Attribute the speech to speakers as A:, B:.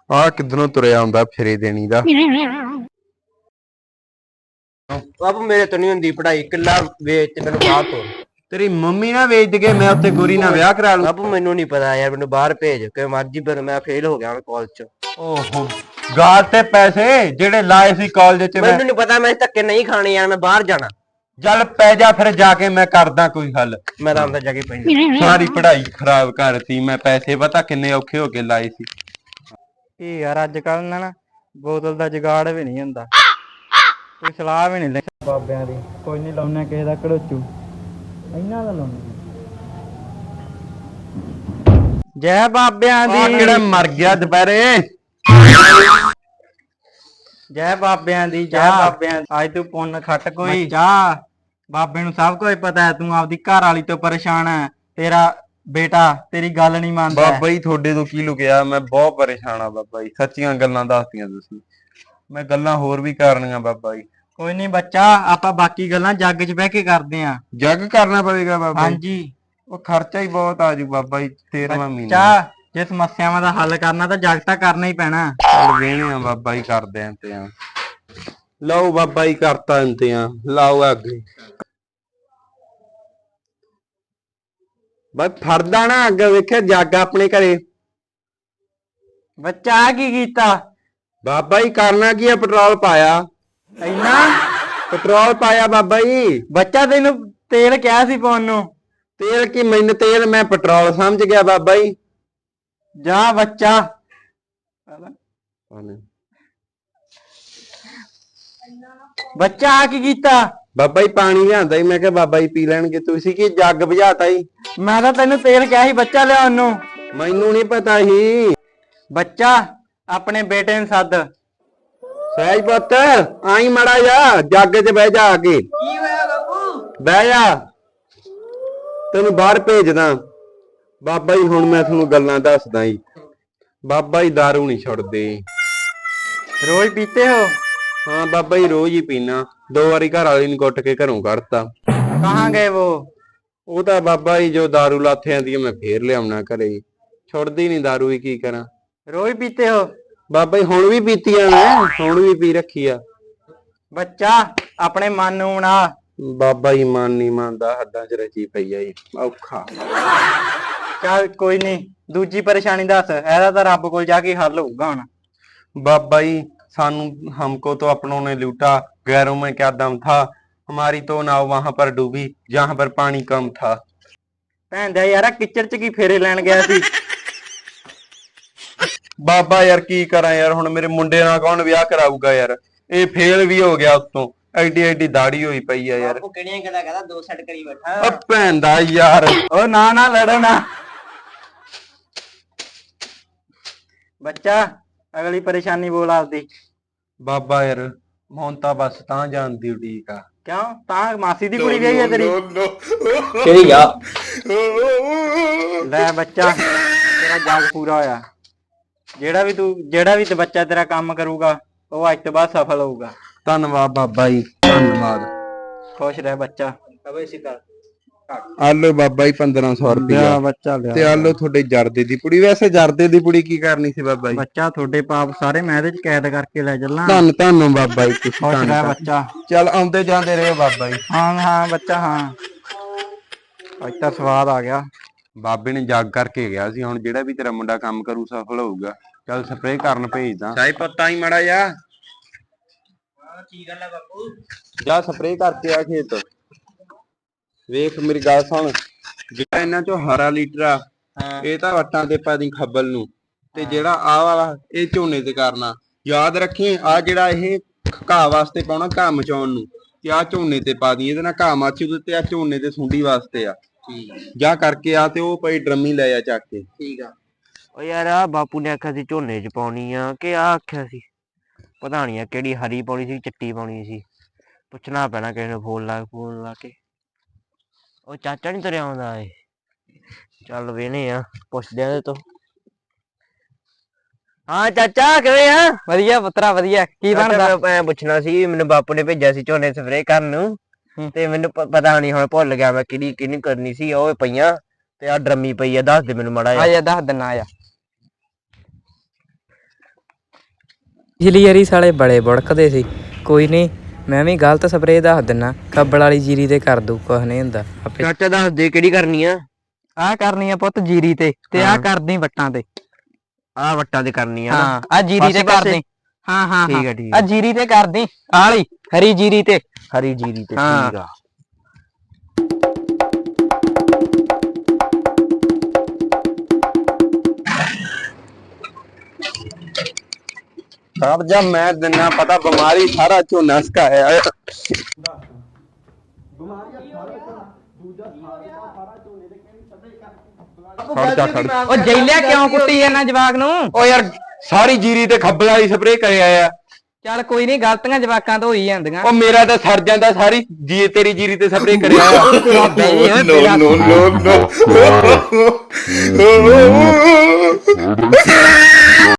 A: ਆ ਕਿੱਧਰੋਂ ਤੁਰਿਆ ਆਉਂਦਾ ਫਿਰੇ ਦੇਣੀ ਦਾ।
B: ਬਾਪੂ ਮੇਰੇ ਤੋਂ ਨਹੀਂ ਹੁੰਦੀ ਪੜ੍ਹਾਈ, ਕਿੱਲਾ ਵੇਚ ਤੇ ਮੈਨੂੰ ਬਾਹਰ ਤੋਰ।
A: ਤੇਰੀ ਮੰਮੀ ਨਾ ਵੇਚ ਕੇ ਮੈਂ ਉੱਥੇ ਗੋਰੀ ਨਾਲ ਵਿਆਹ ਕਰਾ ਲੂ।
B: ਬਾਪੂ ਮੈਨੂੰ ਨਹੀਂ ਪਤਾ ਯਾਰ, ਮੈਨੂੰ ਬਾਹਰ ਭੇਜ ਕਿ ਮਰਜੀ, ਪਰ ਮੈਂ ਫੇਲ ਹੋ ਗਿਆ ਕਾਲਜ ਚ।
A: ਓਹੋ ਗਾਲ ਤੇ ਪੈਸੇ ਜਿਹੜੇ ਲਾਏ ਸੀ ਕਾਲਜ ਚ
B: ਮੈਨੂੰ ਨਹੀਂ ਪਤਾ, ਮੈਂ ਧੱਕੇ ਨਹੀਂ ਖਾਣੇ ਯਾਰ, ਮੈਂ ਬਾਹਰ ਜਾਣਾ।
A: ਚੱਲ ਪੈ ਜਾ ਫਿਰ, ਜਾ ਕੇ ਮੈਂ ਕਰਦਾ ਕੋਈ ਹੱਲ।
B: ਮੈਂ ਤਾਂ ਅੰਦਰ ਜਾ ਕੇ ਪੈਂਦਾ।
A: ਸਾਰੀ ਪੜ੍ਹਾਈ ਖਰਾਬ ਕਰਤੀ ਮੈਂ, ਪੈਸੇ ਪਤਾ ਕਿੰਨੇ ਔਖੇ ਹੋ ਕੇ ਲਾਏ ਸੀ।
C: ਇਹ ਯਾਰ ਅੱਜ ਕੱਲ ਨਾ ਬੋਤਲ ਦਾ ਜੁਗਾੜ ਵੀ ਨਹੀਂ ਹੁੰਦਾ, ਕੋਈ ਸਲਾਹ ਵੀ ਨਹੀਂ ਲੈ ਬਾਬਿਆਂ ਦੀ। ਕੋਈ ਨਹੀਂ ਲਾਉਣਾ ਕਿਸੇ ਦਾ ਘੜੋਚੂ, ਇਹਨਾਂ ਦਾ ਲਾਉਣਾ। ਜੈ ਬਾਬਿਆਂ
A: ਆ
C: ਦੀ,
A: ਕਿਹੜਾ ਮਰ ਗਿਆ ਦੁਪਹਿਰੇ।
C: ਜੈ ਬਾਬਿਆਂ ਦੀ, ਜੈ ਬਾਬਿਆਂ ਦੀ। ਅੱਜ ਤੂੰ ਪੁੰਨ ਖੱਟ ਕੋਈ ਜਾ, ਬਾਬੇ ਨੂੰ ਸਭ ਕੁਝ ਪਤਾ ਹੈ। ਤੂੰ ਆਪਦੀ ਘਰ ਵਾਲੀ ਤੋਂ ਪਰੇਸ਼ਾਨ ਹੈ, ਤੇਰਾ ਬੇਟਾ ਤੇਰੀ ਗੱਲ ਨਹੀਂ ਮੰਨਦਾ।
A: ਬਾਬਾ ਜੀ ਤੁਹਾਡੇ ਤੋਂ ਕੀ ਲੁਕਿਆ, ਮੈਂ ਬਹੁਤ ਪਰੇਸ਼ਾਨ ਆ ਬਾਬਾ ਜੀ, ਸੱਚੀਆਂ ਗੱਲਾਂ ਦੱਸਦੀਆਂ ਤੁਸੀਂ। ਮੈਂ ਗੱਲਾਂ ਹੋਰ ਵੀ ਕਰਨੀਆਂ ਬਾਬਾ ਜੀ।
C: ਕੋਈ ਨਹੀਂ ਬੱਚਾ, ਆਪਾਂ ਬਾਕੀ ਗੱਲਾਂ ਜੱਗ 'ਚ ਬਹਿ ਕੇ ਕਰਦੇ ਆਂ।
A: ਜੱਗ ਕਰਨਾ ਪਵੇਗਾ ਬਾਬਾ ਜੀ?
C: ਹਾਂਜੀ।
A: ਉਹ ਖਰਚਾ ਹੀ ਬਹੁਤ ਆਜੂ ਬਾਬਾ ਜੀ, 13ਵਾਂ ਮਹੀਨਾ।
C: ਬੱਚਾ ਜੇ ਸਮੱਸਿਆਵਾਂ ਦਾ ਹੱਲ ਕਰਨਾ ਤਾਂ ਜੱਗ ਤਾਂ ਕਰਨਾ ਹੀ ਪੈਣਾ।
A: ਚੱਲ ਵੇਹਣੇ ਆ ਬਾਬਾ ਜੀ, ਕਰਦੇ ਆਂ ਇੰਤਜ਼ਾਮ। ਲਓ ਬਾਬਾ ਜੀ ਕਰਤਾ ਇੰਤਜ਼ਾਮ, ਲਾਓ ਅੱਗੇ। ਬਸ ਫੜਦਾ ਨਾ ਅੱਗੇ, ਵੇਖਿਆ ਜੱਗ ਆਪਣੇ ਘਰੇ।
C: ਬੱਚਾ ਆ ਕੀ ਕੀਤਾ?
A: ਬਾਬਾ ਜੀ ਕਰਨਾ ਕੀ ਆ, ਪੈਟਰੋਲ ਪਾਇਆ।
C: ਇੰਨਾ
A: ਪੈਟਰੋਲ ਪਾਇਆ ਬਾਬਾ ਜੀ।
C: ਬੱਚਾ ਤੈਨੂੰ ਤੇਲ ਕਿਹਾ ਸੀ ਪਾਉਣ ਨੂੰ।
A: ਤੇਲ ਕੀ, ਮੈਨੂੰ ਤੇਲ ਮੈਂ ਪੈਟਰੋਲ ਸਮਝ ਗਿਆ ਬਾਬਾ ਜੀ।
C: ਜਾ ਬੱਚਾ। ਬੱਚਾ ਆ ਕੀ ਕੀਤਾ?
A: ਬਾਬਾ ਜੀ ਪਾਣੀ ਲਿਆਂਦਾ ਹੀ, ਮੈਂ ਕਿਹਾ ਬਾਬਾ ਜੀ ਪੀ ਲੈਣਗੇ, ਤੁਸੀਂ ਕੀ ਜੱਗ ਬੁਝਾਤਾ ਜੀ।
C: ਮੈਂ ਤਾਂ ਤੈਨੂੰ ਤੇਲ ਕਿਹਾ ਸੀ ਬੱਚਾ ਲਿਆਉਣ ਨੂੰ।
A: ਮੈਨੂੰ ਨਹੀਂ ਪਤਾ ਸੀ।
C: ਬੱਚਾ ਆਪਣੇ ਬੇਟੇ ਨੂੰ ਸੱਦ।
A: ਸਹਿਜ ਪੁੱਤ ਆਈ ਮੜਾ ਜਾ, ਜੱਗ 'ਚ ਬਹਿ ਜਾ ਆ ਕੇ।
B: ਕੀ ਹੋਇਆ ਬਾਪੂ?
A: ਬਹਿ ਜਾ, ਤੈਨੂੰ ਬਾਹਰ ਭੇਜਦਾ। ਬਾਬਾ ਜੀ ਹੁਣ ਮੈਂ ਤੁਹਾਨੂੰ ਗੱਲਾਂ ਦੱਸਦਾ ਜੀ। ਬਾਬਾ ਜੀ ਦਾਰੂ ਨਹੀਂ ਛੱਡਦੇ।
C: ਰੋਜ਼ ਪੀਤੇ ਹੋ?
A: ਹਾਂ ਬਾਬਾ ਜੀ ਰੋਜ਼ ਹੀ ਪੀਣਾ, 2 ਵਾਰੀ ਘਰ ਵਾਲੀ ਨੂੰ ਕੁੱਟ ਕੇ ਘਰੋਂ ਕੱਢਤਾ।
C: ਕਹਾਂ ਗਏ
A: ਉਹ ਤਾਂ ਬਾਬਾ ਜੀ ਜੋ ਦਾਰੂ ਲਾਥੇ ਆਂਦੀ ਮੈਂ ਫੇਰ ਲਿਆਉਣਾ ਘਰੇ, ਛੁੱਟਦੀ ਨਹੀਂ ਦਾਰੂ ਹੀ, ਕੀ ਕਰਾਂ।
C: ਰੋਜ਼ ਪੀਤੇ ਹੋ?
A: ਬਾਬਾ ਜੀ ਹੁਣ ਵੀ ਪੀਤੀ ਆ, ਮੈਂ ਹੁਣ ਵੀ ਪੀ ਰੱਖੀ ਆ।
C: ਬੱਚਾ ਆਪਣੇ ਮਨ ਨੂੰ ਬਣਾ।
A: ਬਾਬਾ ਜੀ ਮਨ ਨਹੀਂ ਮੰਨਦਾ, ਹੱਦਾਂ 'ਚ ਰਚੀ ਪਈ ਆ ਜੀ, ਔਖਾ।
C: ਚੱਲ ਕੋਈ ਨਹੀਂ, ਦੂਜੀ ਪਰੇਸ਼ਾਨੀ ਦੱਸ, ਇਹਦਾ ਤਾਂ ਰੱਬ ਕੋਲ ਜਾ ਕੇ ਹੱਲ ਹੋਊਗਾ ਹੁਣ।
A: बाबा जी सानू हमको तो अपनों ने लूटा, गैरों में क्या दम था, हमारी तो नाव वहां पर डूबी जहां पर पानी कम था।
C: ਭੈਣ ਦਾ ਯਾਰਾ ਕਿਚੜ ਚ ਕੀ ਫੇਰੇ ਲੈਣ ਗਿਆ ਸੀ?
A: बाबा यार की करा यार, हुण मेरे मुंडे नाल कौन विआह कराऊगा यार, ये फेल भी हो गया उत्तों, एडी एडी दाढ़ी होई पई है यार।
B: ਬਾਪੂ ਕਿਹੜੀਆਂ ਗੱਲਾਂ ਕਰਦਾ, 2 ਸੈੱਟ ਕਰੀ ਬੈਠਾ।
A: ओ भैन दा यार,
C: ਉਹ ਨਾ ਨਾ ਲੜੋ ਨਾ। ਬੱਚਾ ਅਗਲੀ ਪਰੇਸ਼ਾਨੀ ਬੋਲ ਆਪਦੀ।
A: बाबा यार ਹੁਣ ਤਾਂ ਬਸ ਤਾਂ ਜਾਣ ਦੀ ਉਡੀਕ ਆ।
C: ਕਿਉਂ? ਤਾਂ ਮਾਸੀ ਦੀ ਕੁੜੀ ਗਈ ਹੈ ਤੇਰੀ?
B: ਕਿਹੜੀ ਆ?
C: ਲੈ ਬੱਚਾ ਤੇਰਾ ਜਾਗ ਪੂਰਾ ਹੋਇਆ। ਜਿਹੜਾ ਵੀ ਤੇ ਬੱਚਾ ਤੇਰਾ ਕੰਮ ਕਰੂਗਾ ਉਹ ਅੱਜ ਤੋਂ ਬਾਅਦ ਸਫਲ ਹੋਊਗਾ।
A: ਧੰਨਵਾਦ ਬਾਬਾ ਜੀ, ਧੰਨਵਾਦ।
C: ਖੁਸ਼ ਰਹਿ ਬੱਚਾ।
B: ਅਬੇ ਸਿਕਰ
A: ਆਲੋ ਬਾਬਾ ਜੀ 1500 ਰੁਪਇਆ
C: ਬੱਚਾ ਲਿਆ
A: ਤੇ ਆਲੋ ਤੁਹਾਡੇ ਜਰਦੇ ਦੀ ਪੁੜੀ। ਵੈਸੇ ਜਰਦੇ ਦੀ ਪੁੜੀ ਕੀ ਕਰਨੀ ਸੀ ਬਾਬਾ ਜੀ?
C: ਬੱਚਾ ਤੁਹਾਡੇ ਪਾਪ ਸਾਰੇ ਮੈਂ ਇਹਦੇ ਚ ਕੈਦ ਕਰਕੇ ਲੈ ਚੱਲਾਂ।
A: ਧੰਨ ਬਾਬਾ ਜੀ, ਤੁਸੀਂ
C: ਖੁਸ਼ ਰਹਿ ਬੱਚਾ।
A: ਚੱਲ ਆਉਂਦੇ ਜਾਂਦੇ ਰਹੇ ਬਾਬਾ ਜੀ।
C: ਹਾਂ ਬੱਚਾ ਹਾਂ, ਅੱਜ ਤਾਂ ਸਵਾਦ ਆ ਗਿਆ।
A: ਬਾਬੇ ਨੇ ਜੱਗ ਕਰਕੇ ਗਿਆ ਸੀ, ਹੁਣ ਜਿਹੜਾ ਵੀ ਤੇਰਾ ਮੁੰਡਾ ਕੰਮ ਕਰੂ ਸਫਲ ਹੋਊਗਾ। ਚੱਲ ਸਪਰੇਅ ਕਰਨ ਭੇਜਦਾ। ਸਾਈ ਪੱਤਾ ਹੀ ਮੜਾ ਜਾ।
B: ਕੀ ਗੱਲ ਆ ਬਾਪੂ?
A: ਜਾ ਸਪਰੇਅ ਕਰਕੇ ਆ ਖੇਤ। ਵੇਖ ਮੇਰੀ ਗੱਲ ਸੁਣ, ਜਿਹੜਾ ਇਹਨਾਂ ਚੋਂ ਹਰਾ ਲੀਟਰ ਆ ਇਹ ਤਾਂ ਵੱਟਾਂ ਤੇ ਪਾ ਦੀ ਖੱਬਲ ਨੂੰ, ਤੇ ਜਿਹੜਾ ਆਹ ਵਾਲਾ ਇਹ ਝੋਨੇ ਤੇ ਕਰਨਾ। ਯਾਦ ਰੱਖੀ ਆ ਜਿਹੜਾ ਇਹ ਘਾਹ ਵਾਸਤੇ ਪਾਉਣਾ, ਘਾਹ ਮਚਾਉਣ ਨੂੰ, ਤੇ ਆ ਝੋਨੇ ਤੇ ਪਾ ਦੀ, ਇਹਦੇ ਨਾਲ ਘਾਹ ਮੱਚੂ ਤੇ ਆ ਝੋਨੇ ਤੇ ਸੁੰਡੀ ਵਾਸਤੇ ਆ। ਜਾ ਕਰਕੇ ਆ ਤੇ ਉਹ ਪਈ ਡਰਮੀ ਲੈ ਆ ਚੱਕ ਕੇ।
B: ਠੀਕ ਆ। ਓ ਯਾਰ ਆ ਬਾਪੂ ਨੇ ਆਖਿਆ ਸੀ ਝੋਨੇ 'ਚ ਪਾਉਣੀ ਆ ਕਿ ਆ ਆਖਿਆ ਸੀ, ਪਤਾ ਨਹੀਂ ਆ ਕਿਹੜੀ ਹਰੀ ਪਾਉਣੀ ਸੀ ਚਿੱਟੀ ਪਾਉਣੀ ਸੀ। ਪੁੱਛਣਾ ਪੈਣਾ ਕਿਸੇ ਨੂੰ ਫੋਨ ਲਾ ਕੇ। ਉਹ ਚਾਚਾ ਨੀ ਤੁਰਿਆ ਆਉਂਦਾ ਏ? ਚੱਲ ਵੇਹਨੇ ਆ, ਪੁੱਛਦੇ ਆ ਇਹਦੇ ਤੋਂ। ਹਾਂ ਚਾਚਾ ਕਿਵੇਂ ਆ?
C: ਵਧੀਆ ਪੁੱਤਰਾ ਵਧੀਆ। ਕੀ ਬਣਦਾ?
B: ਮੈਂ ਪੁੱਛਣਾ ਸੀ, ਮੈਨੂੰ ਬਾਪੂ ਨੇ ਭੇਜਿਆ ਸੀ ਝੋਨੇ ਸਪਰੇਅ ਕਰਨ ਨੂੰ, ਤੇ ਮੈਨੂੰ ਪਤਾ ਨਹੀਂ ਹੁਣ ਭੁੱਲ ਗਿਆ ਮੈਂ ਕਿਹੜੀ ਕਰਨੀ ਸੀ। ਉਹ ਪਈਆਂ ਤੇ ਆ ਡਰਮੀ ਪਈ ਆ, ਦੱਸ ਦੇ ਮੈਨੂੰ ਮਾੜਾ ਜਿਹਾ।
C: ਆਇਆ ਦੱਸ ਦਿਨਾ ਆ।
D: ਪਿਛਲੀ ਵਾਰੀ ਸਾਲੇ ਬੜੇ ਬੁੜਕਦੇ ਸੀ। ਕੋਈ ਨਹੀਂ, ਮੈਂ ਵੀ ਗਲਤ ਸਪਰੇਅ ਦੱਸ ਦਿੰਨਾ, ਖੱਬਲ ਵਾਲੀ ਜੀਰੀ ਤੇ ਕਰ ਦੂ, ਕੁਛ ਨਹੀਂ ਹੁੰਦਾ ਆਪੇ।
B: ਚਾਚਾ ਦੱਸ ਦੇ ਕਿਹੜੀ ਕਰਨੀ ਆ।
C: ਆਹ ਕਰਨੀ ਆ ਪੁੱਤ ਜੀਰੀ ਤੇ ਆਹ
B: ਹਾਂ।
C: ਕਰਦੀ ਵੱਟਾਂ ਤੇ।
B: ਆਹ ਵੱਟਾਂ ਤੇ ਕਰਨੀ ਆ ਨਾ।
C: ਹਾਂ ਆ ਜੀਰੀ ਤੇ
B: ਪਾਸੇ-ਪਾਸੇ?
C: ਕਰਦੀ। ਹਾਂ ਹਾਂ
B: ਠੀਕ ਆ ਠੀਕ
C: ਆ
B: ਆ।
C: ਜੀਰੀ ਤੇ ਕਰਦੀ ਆਲੀ ਹਰੀ ਜੀਰੀ ਤੇ।
B: ਹਰੀ ਜੀਰੀ ਤੇ
C: ਹਾਂ।
B: ਠੀਕ ਆ।
A: ਸਾਹਿਬ ਜਦ ਮੈਂ ਦਿਨਾ ਪਤਾ ਬਿਮਾਰੀ ਸਾਰਾ ਝੋਨਾ ਸਕਾਇਆ।
C: ਉਹ ਜੈਲਿਆ ਕਿਉਂ ਕੁੱਟੀ ਇਹਨਾਂ ਜਵਾਕ ਨੂੰ?
A: ਓ ਯਾਰ ਸਾਰੀ ਜੀਰੀ ਤੇ ਖੱਬਲ ਵਾਲੀ ਸਪਰੇਅ ਕਰਿਆ ਆ।
C: ਚੱਲ ਕੋਈ ਨਹੀਂ, ਗਲਤੀਆਂ ਜਵਾਕਾਂ ਤੋਂ ਹੋਈ ਜਾਂਦੀਆਂ।
A: ਉਹ ਮੇਰਾ ਤਾਂ ਸਰ ਜਾਂਦਾ ਸਾਰੀ ਤੇਰੀ ਜੀਰੀ ਤੇ ਸਪਰੇਅ ਕਰਿਆ ਆ।
C: ਨੋ ਨੋ ਨੋ